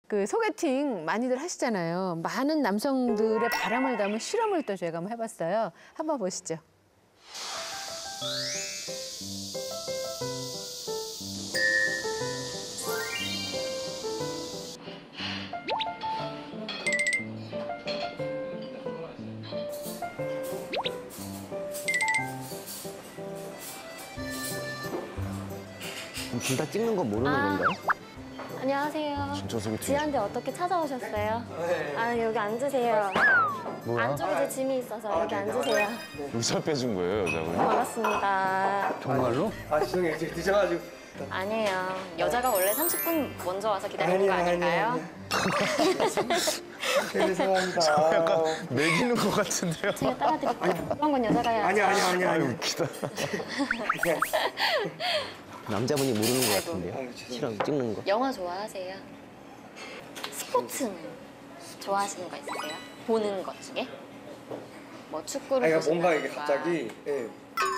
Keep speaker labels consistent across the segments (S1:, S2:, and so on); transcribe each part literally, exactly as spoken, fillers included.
S1: 그 소개팅 많이들 하시잖아요. 많은 남성들의 바람을 담은 실험을 또 저희가 한번 해봤어요. 한번 보시죠.
S2: 둘 다 찍는 거 모르는
S3: 아,
S2: 건가요?
S3: 안녕하세요.
S2: 진짜 소개팅.
S3: 지한테 어떻게 찾아오셨어요? 아, 여기 앉으세요.
S2: 뭐야?
S3: 안쪽에 제 짐이 있어서 여기 앉으세요.
S4: 의사 빼준 거예요, 여자분이?
S3: 반갑습니다.
S2: 정말로?
S5: 아 죄송해요. 지금 늦어가지고.
S3: 아니에요. 여자가 원래 삼십 분 먼저 와서 기다리는 거 아닐까요?
S5: 죄송합니다.
S4: 약간 매기는 것 같은데요?
S3: 제가 따라드릴게요. 그런 건 여자가 해야죠.
S5: 아니 아니 아니 아니.
S4: 웃기다.
S2: 남자분이 모르는 것
S3: 아이고.
S2: 같은데요?
S5: 아유, 죄송해요.
S2: 실험 찍는 거.
S3: 영화 좋아하세요? 스포츠는 좋아하시는 거 있으세요? 보는 것 중에? 뭐 축구를
S5: 아니
S3: 보신다든가.
S5: 뭔가 이게 갑자기 예.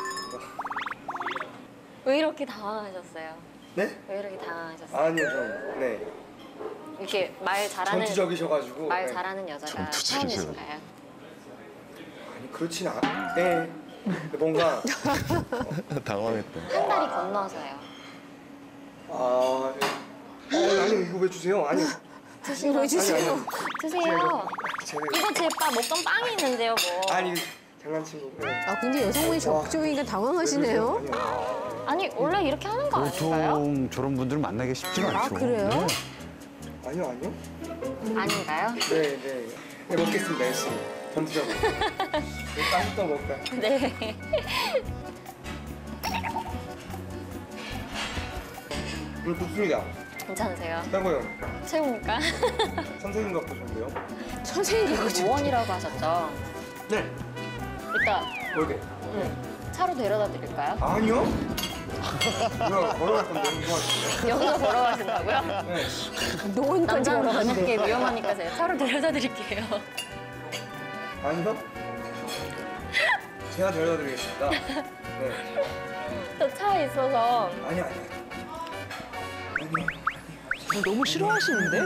S3: 왜 이렇게 당황하셨어요?
S5: 네?
S3: 왜 이렇게 당황하셨어요?
S5: 아니요 좀 네.
S3: 이렇게 말 잘하는
S5: 전투적이셔가지고.
S3: 말
S5: 네.
S3: 잘하는 여자가
S4: 전투적이셔.
S3: 처음이신가요?
S5: 아니 그렇진 않. 네. 근데 뭔가
S4: 당황했다.
S3: 한 다리 건너서요.
S5: 아 네. 어, 아니 이거 왜 주세요? 아니.
S1: 이거 왜 주세요?
S3: 드세요.
S5: 제가
S3: 이거 제 빠 먹던 빵이 있는데요, 뭐.
S5: 아니 장난친 거고. 네.
S1: 아, 근데 여성분이 적극적이니까 당황하시네요.
S5: 아니요.
S3: 아니 원래 이렇게 하는 거 아닌가요?
S6: 보통 저런 분들 만나기 쉽지가
S1: 아,
S6: 않죠.
S1: 그래요?
S6: 네.
S5: 아니요 아니요.
S3: 아닌가요?
S5: 네 네. 네 먹겠습니다 열심히. 전투적으로. 네, 빵부터 먹을까요?
S3: 네.
S5: 음 좋습니다.
S3: 괜찮으세요?
S5: 최고요.
S3: 최고입니까?
S5: 선생님 갖고 좋은데요?
S1: 선생님이
S3: 노원이라고 하셨죠?
S5: 네.
S3: 이따
S5: 여기.
S3: 응. 차로 데려다 드릴까요?
S5: 아니요. 뭐야 걸어갈 건데 이거 같은데.
S3: 여기서 걸어가신다고요?
S5: 네.
S1: 노원까지
S3: 남자는
S1: 걸어가는데.
S3: 저녁에 위험하니까 제가 차로 데려다 드릴게요.
S5: 아니요. 제가 데려다 드리겠습니다. 네.
S3: 저 차에 있어서
S5: 아니 아니.
S1: 너무 싫어하시는데?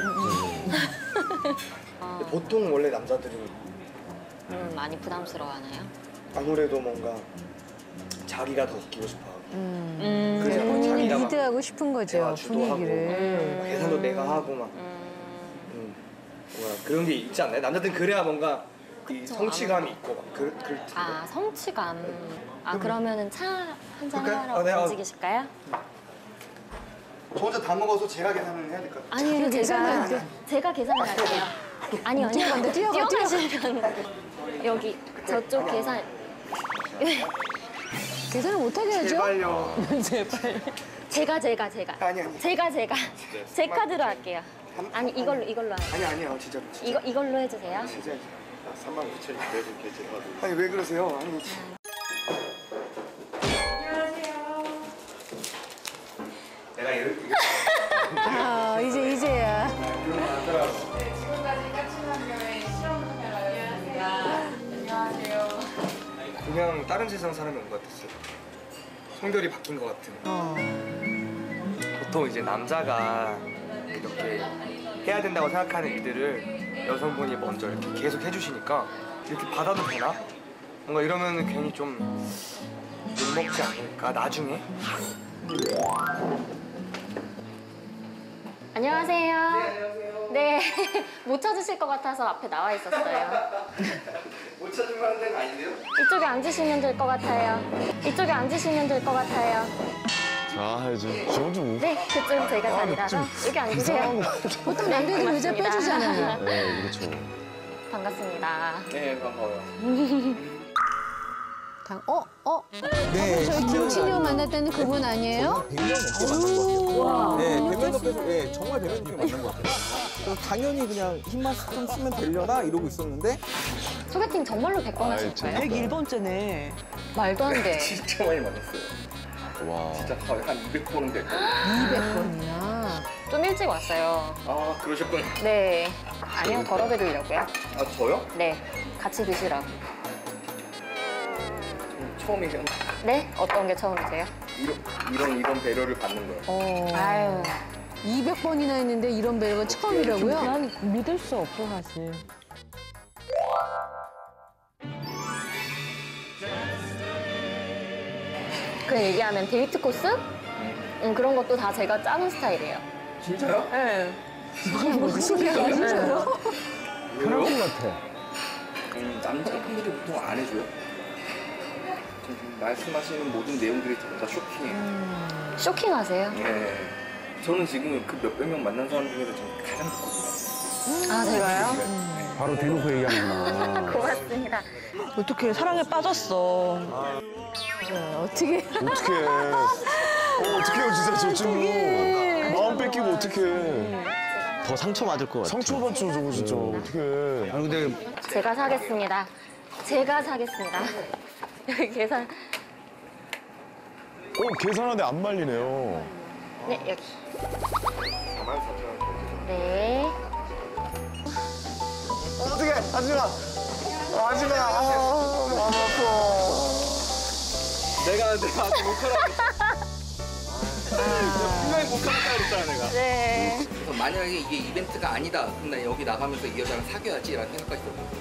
S5: 근데 보통 원래 남자들은
S3: 음, 많이 부담스러워하나요?
S5: 아무래도 뭔가 자기가 더 웃기고 싶어하고
S3: 음.
S5: 그래서 막
S1: 본인이
S5: 자기가 막
S1: 리드하고 싶은 거죠,
S5: 대화 주도하고
S1: 분위기를.
S5: 막 계산도 내가 하고 막
S3: 음.
S5: 음, 뭔가 그런 게 있지 않나요? 남자들은 그래야 뭔가 이 성취감이 있고 막 그, 그럴 텐데.
S3: 아, 성취감. 아, 그러면은 차 한잔
S5: 그럴까요?
S3: 하러
S5: 아, 네, 아.
S3: 움직이실까요?
S5: 저 혼자 다 먹어서 제가 계산을 해야 될 것 같아요.
S3: 아니에요, 제가
S1: 계산을
S3: 제가 계산을 할게요. 아니요, 아니요.
S1: 뛰어간다, 뛰어가,
S3: 뛰어가시면 여기 저쪽 계산.
S1: 계산을 못하게 하죠?
S5: 제발요.
S3: 제가 제가 제가.
S5: 아니, 아니.
S3: 제가 제가 제 카드로 할게요. 아니 이걸로 이걸로 할게요.
S5: 아니 아니요 진짜로. 진짜.
S3: 이거 이걸로 해주세요.
S5: 진짜.
S4: 삼만 구천 원 내줄게, 제가.
S5: 아니 왜 그러세요? 아니 내가 이렇게
S1: 아, 이제, 이제야.
S7: 지금까지 까칠한교회 실험카메라였습니다. 안녕하세요.
S5: 그냥 다른 세상 사람이 온 것 같았어요. 성별이 바뀐 것 같은.
S1: 어.
S5: 보통 이제 남자가 이렇게 해야 된다고 생각하는 일들을 여성분이 먼저 이렇게 계속 해주시니까 이렇게 받아도 되나? 뭔가 이러면 괜히 좀 욕먹지 않을까 나중에?
S3: 안녕하세요. 네, 못 찾으실 것 같아서 앞에 나와 있었어요.
S5: 못 찾을 만한 데가 아닌데요?
S3: 이쪽에 앉으시면 될 것 같아요. 이쪽에 앉으시면 될 것 같아요.
S4: 아, 이제 저건 좀.
S3: 네, 그쪽 제가 자리라서 여기 앉으세요.
S1: 보통 남자들이 의자
S3: 반갑습니다.
S1: 빼주잖아요.
S4: 네, 그렇죠.
S3: 반갑습니다.
S5: 네 반가워요.
S1: 당, 어? 어? 네. 저희 김치녀 만났다는 그분 아니에요?
S8: 백 년 넘게 만난 것 같아요.
S1: 와.
S8: 네, 백 년 넘게, 네, 정말 백 년 넘게 만난 것 같아요. 그래서 당연히 그냥 힘만 좀 쓰면 되려나 이러고 있었는데
S3: 소개팅 정말로 백 번
S4: 아이,
S3: 하실 거예요?
S4: 재밌다.
S9: 백일 번째네.
S3: 말도 안 돼.
S5: 진짜 많이 만났어요.
S4: 와.
S5: 진짜 거의 한 이백 번은 됐고.
S1: 이백 번이나.
S3: 좀 일찍 왔어요.
S5: 아 그러셨구나.
S3: 네. 아니요, 덜어드리려고요.
S5: 아 저요?
S3: 네. 같이 드시라고.
S5: 처음이세요?
S3: 네? 어떤 게 처음이세요?
S5: 이런 이런 이런 배려를 받는 거예요.
S1: 어.
S3: 아유,
S1: 이백 번이나 했는데 이런 배려가 처음이라고요?
S9: 난 믿을 수 없어 사실.
S3: 그냥 얘기하면 데이트 코스? 음, 그런 것도 다 제가 짜는 스타일이에요.
S8: 진짜요?
S3: 네.
S1: 진짜요?
S6: 그럴 것 같아.
S8: 음, 남자분들이 보통 안 해줘요? 지금 말씀하시는 모든 내용들이 전부 다 쇼킹해요.
S3: 쇼킹하세요?
S8: 네. 저는 지금 그 몇백 명 만난 사람 중에서 저는 가장 좋거든요.
S3: 아, 제가요?
S8: 네.
S6: 바로 대놓고 얘기하는구나.
S3: 고맙습니다.
S9: 어떻게 사랑에 빠졌어.
S1: 어떻게?
S4: 어떡해. 어, 어떡해요, 진짜 저 친구. 마음 뺏기고 어떡해.
S2: 더 상처 받을 것 같아.
S4: 상처받죠, 저거 진짜. 어떡해.
S6: 아니 근데
S3: 제가 사겠습니다. 제가 사겠습니다. 여기 계산.
S4: 어, 계산하는데 안 말리네요.
S3: 네, 여기.
S5: 사만 사천 원.
S3: 네.
S4: 어떡해, 하지 마. 하지 마. 아, 마음 아파.
S5: 내가 내가 아직 못하라고. 분명히 못하겠다 그랬잖아 내가.
S3: 네.
S8: 그래서 만약에 이게 이벤트가 아니다. 그럼 나 여기 나가면서 이 여자랑 사귀어야지라는 생각까지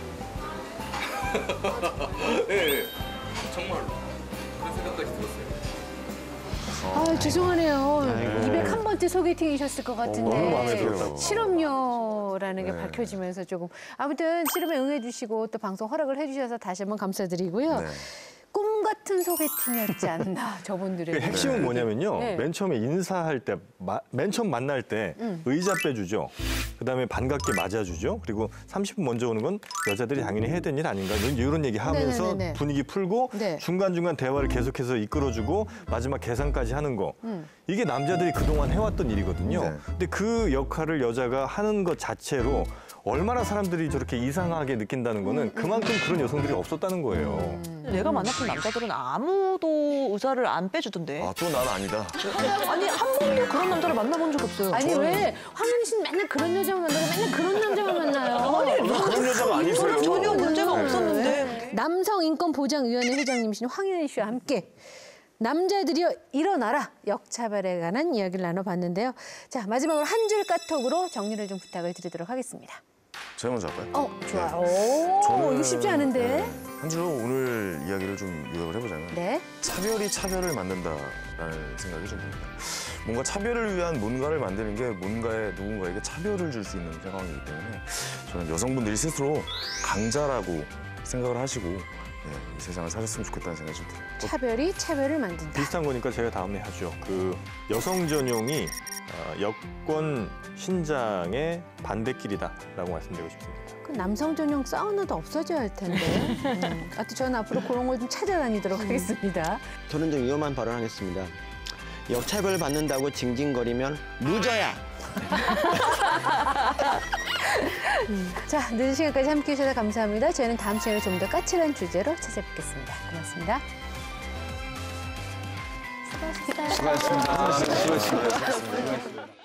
S8: 들었어요. 네, 정말로 그런 생각까지 들었어요.
S1: 아, 죄송하네요.
S2: 아이고.
S1: 이백일 번째 소개팅이셨을 것 같은데.
S4: 너무 마음에 들었다고.
S1: 실험료라는 게
S4: 네.
S1: 밝혀지면서 조금. 아무튼 실험에 응해주시고 또 방송 허락을 해주셔서 다시 한번 감사드리고요.
S4: 네.
S1: 꿈 같은 소개팅이었지 않나, 저분들의.
S10: 그 핵심은 뭐냐면요.
S1: 네.
S10: 맨 처음에 인사할 때, 마, 맨 처음 만날 때
S1: 음.
S10: 의자 빼주죠. 그다음에 반갑게 맞아주죠. 그리고 삼십 분 먼저 오는 건 여자들이 당연히 해야 되는 일 아닌가. 이런, 이런 얘기 하면서
S1: 네네네네.
S10: 분위기 풀고
S1: 네.
S10: 중간중간 대화를 계속해서 이끌어주고 마지막 계산까지 하는 거.
S1: 음.
S10: 이게 남자들이 그동안 해왔던 일이거든요.
S4: 네.
S10: 근데 그 역할을 여자가 하는 것 자체로 얼마나 사람들이 저렇게 이상하게 느낀다는 거는 그만큼 그런 여성들이 없었다는 거예요.
S9: 내가 만났던 남자들은 아무도 의자를 안 빼주던데.
S4: 아, 또 난 아니다.
S9: 아니 한 번도 그런 남자를 만나본 적 없어요.
S1: 아니, 왜 황윤희 씨는 맨날 그런 여자만 만나고 맨날 그런 남자만 만나요?
S4: 그런 여자가 아니세요.
S9: 전혀 문제가
S4: 네.
S9: 없었는데.
S1: 남성인권보장위원회 회장님이신 황윤희 씨와 함께 남자들이여 일어나라 역차별에 관한 이야기를 나눠봤는데요. 자, 마지막으로 한 줄 까톡으로 정리를 좀 부탁을 드리도록 하겠습니다.
S4: 제가 먼저 할까요?
S1: 어, 좋아요. 오, 이거 쉽지 않은데.
S4: 네. 한 줄로 오늘 이야기를 좀 요약을 해보자면
S1: 네.
S4: 차별이 차별을 만든다라는 생각이 좀 듭니다. 뭔가 차별을 위한 뭔가를 만드는 게 뭔가에 누군가에게 차별을 줄 수 있는 상황이기 때문에 저는 여성분들이 스스로 강자라고 생각을 하시고 네, 이 세상을 사셨으면 좋겠다는 생각이 좀 들어요.
S1: 차별이 차별을 만든다.
S10: 비슷한 거니까 제가 다음에 하죠. 그 여성 전용이 어, 여권 신장의 반대길이다라고 말씀드리고 싶습니다.
S1: 그 남성 전용 사우나도 없어져야 할 텐데. 음. 하여튼 저는 앞으로 그런 걸 좀 찾아다니도록 하겠습니다.
S2: 저는 좀 위험한 발언하겠습니다. 역차별 받는다고 징징거리면 루저야.
S1: 자, 늦은 시간까지 함께해 주셔서 감사합니다. 저희는 다음 시간에 좀 더 까칠한 주제로 찾아뵙겠습니다. 고맙습니다.
S3: 수고하셨습니다.
S4: 수고하셨습니다. 수고하셨습니다.